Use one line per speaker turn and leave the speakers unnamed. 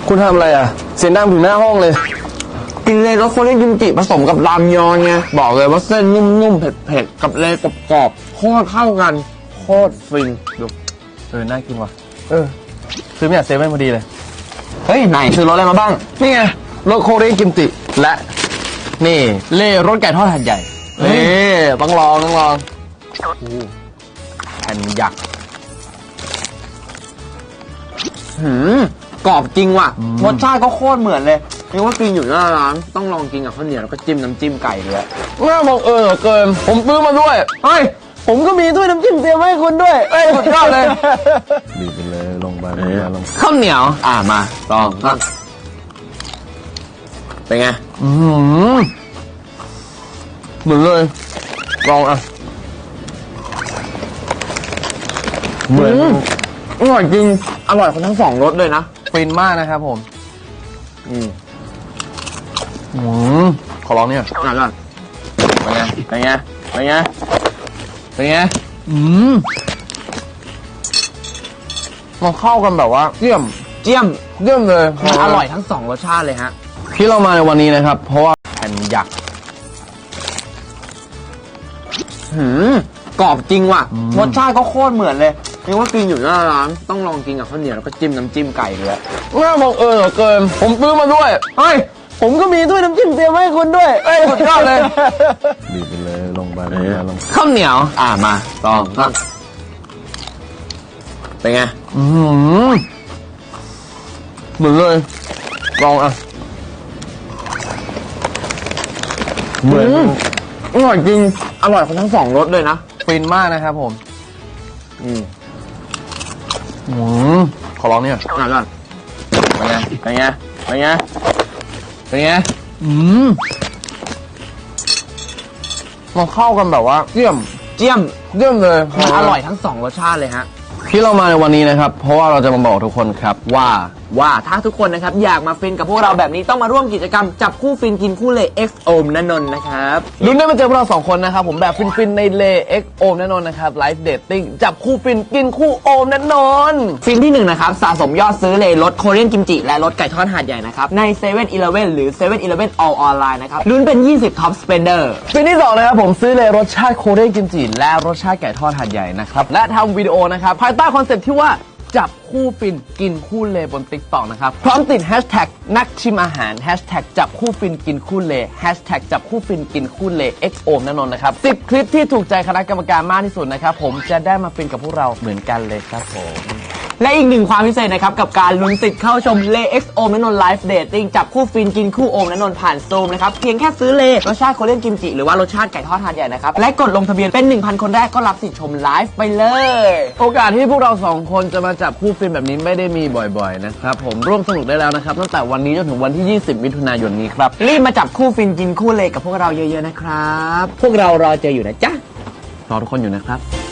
คุณทำอะไรอ่ะเสียงดังถึงหน้าห้องเลย
กินเลยรสโคเรียนกิมจิผสมกับรามยอนไงบอกเลยว่าเส้นนุ่มๆเผ็ดๆกับเลยกรอบๆโคตรเข้ากันโคตรฟินดู
น่ากินว่ะซื้อมาจากเซเว่นพอดีเลย
เฮ้ยไหนซื้อรสอะไรมาบ้าง
นี่ไงรสโคเรียนกิมจิและนี่เล่รสไก่ทอดหัดใหญ่นี่ต้องลอง
แผ่นยักษ์กรอบจริงว่ะรสชาติก็โคตรเหมือนเลยนี่ว่ากินอยู่หน้าร้านต้องลองกินกับข้าวเหนียวแล้วก็จิ้มน้ำจิ้มไก่ด้วย
น่าบังเอิญเหลือเกินผมซื้อมาด้วย
เฮ้ยผมก็มีด้วยน้ำจิ้มเตรียมให้คุณด้วย
สุดยอดเลยบีบไปเลยลงไปลง
ข้าวเหนียวมาลองเป็นไง
เหมือนเลยลอง
เหมือนอร่อยจริงอร่อยทั้งสองรสเลยนะ
ฟินมากนะครับผมขอลองเนี่ย
เป็นไง
มันเข้ากันแบบว่าเยี่ยมเลย
มันอร่อยทั้งสองรสชาติเลยฮะ
ที่เรามาในวันนี้นะครับเพราะว่าแผ่นยักษ์
กรอบจริงว่ะรสชาติก็โคตรเหมือนเลยนี่ว่ากินอยู่หน้าร้านต้องลองกินกับข้าวเหนียวแล้วก็จิ้มน้ำจิ้มไก่ด้วย
น่าบังเอิญเหลือเกินผมซื้อมาด้วย
เฮ้ยผมก็มีด้วยน้ำจิ้มเตรียมให้คุณด้วย
สุดยอดเลยบีบไปเลยลงไปลง
ข้าวเหนียวมาลองเป็นไง
เหมือนเลยลอง
เหมือนอร่อยจริงอร่อยทั้งสองรสเลยนะ
ฟินมากนะครับผมขอลองเนี่ย
เป็นไง
มันเข้ากันแบบว่าเยี่ยมเลย
มันอร่อยทั้งสองรสชาติเลยฮะ
ที่เรามาในวันนี้นะครับเพราะว่าเราจะมาบอกทุกคนครับ
ว่าถ้าทุกคนนะครับอยากมาฟินกับพวกเราแบบนี้ต้องมาร่วมกิจกรรมจับคู่ฟินกินคู่เล X โอมณนนท์นะครับ
ลุ้นได้มาเจอพวกเรา2คนนะครับผมแบบฟินในเล X โอมณนนท์นะครับไลฟ์เดทติ้งจับคู่ฟินกินคู่โอมณนนท์
ฟินที่1นะครับสะสมยอดซื้อเลรสโคเรียนกิมจิและรสไก่ทอดหาดใหญ่นะครับใน7-Eleven หรือ7-Eleven All Online นะครับลุ้นเป็น20 Top Spender
ฟินที่2นะครับผมซื้อเลรสชาติโคเรียนกิมจิและรสชาติไก่ทอดหาดใหญ่นะครับและทำวิดีโอนะครับภายใต้คอนเซ็ปต์ที่ว่าจับคู่ฟินกินคู่เลบน TikTok นะครับพร้อมติดแฮชแท็กนักชิมอาหารแฮชแท็กจับคู่ฟินกินคู่เลแฮชแท็กจับคู่ฟินกินคู่เล X โอมณนนท์นะครับ10 คลิปที่ถูกใจคณะกรรมการมากที่สุดนะครับผมจะได้มาฟินกับพวกเราเหมือนกันเลยครับผม
และอีกหนึ่งความพิเศษนะครับกับการลุ้นสิทธิ์เข้าชมเล X โอมณนนท์ไลฟ์เดทติ้งจับคู่ฟินกินคู่โอมณนนท์ผ่านซูมนะครับเพียงแค่ซื้อเลรสชาติโคเรียนกิมจิหรือว่ารสชาติไก่ทอดหาดใหญ่นะครับและกดลงทะเบียนเป็น 1,000 คนแรกก็รับสิทธิ์ชมไลฟ์ไปเลย
โอกาสที่พวกเรา2คนจะมาจับคู่ฟินแบบนี้ไม่ได้มีบ่อยๆนะครับผมร่วมสนุกได้แล้วนะครับตั้งแต่วันนี้จนถึงวันที่20มิถุนายนนี้ครับ
รีบมาจับคู่ฟินกินคู่เลกับพวกเราเยอะๆนะครับพวกเรารอเจออยู่นะจ๊ะ
รอทุกคนอยู่นะครับ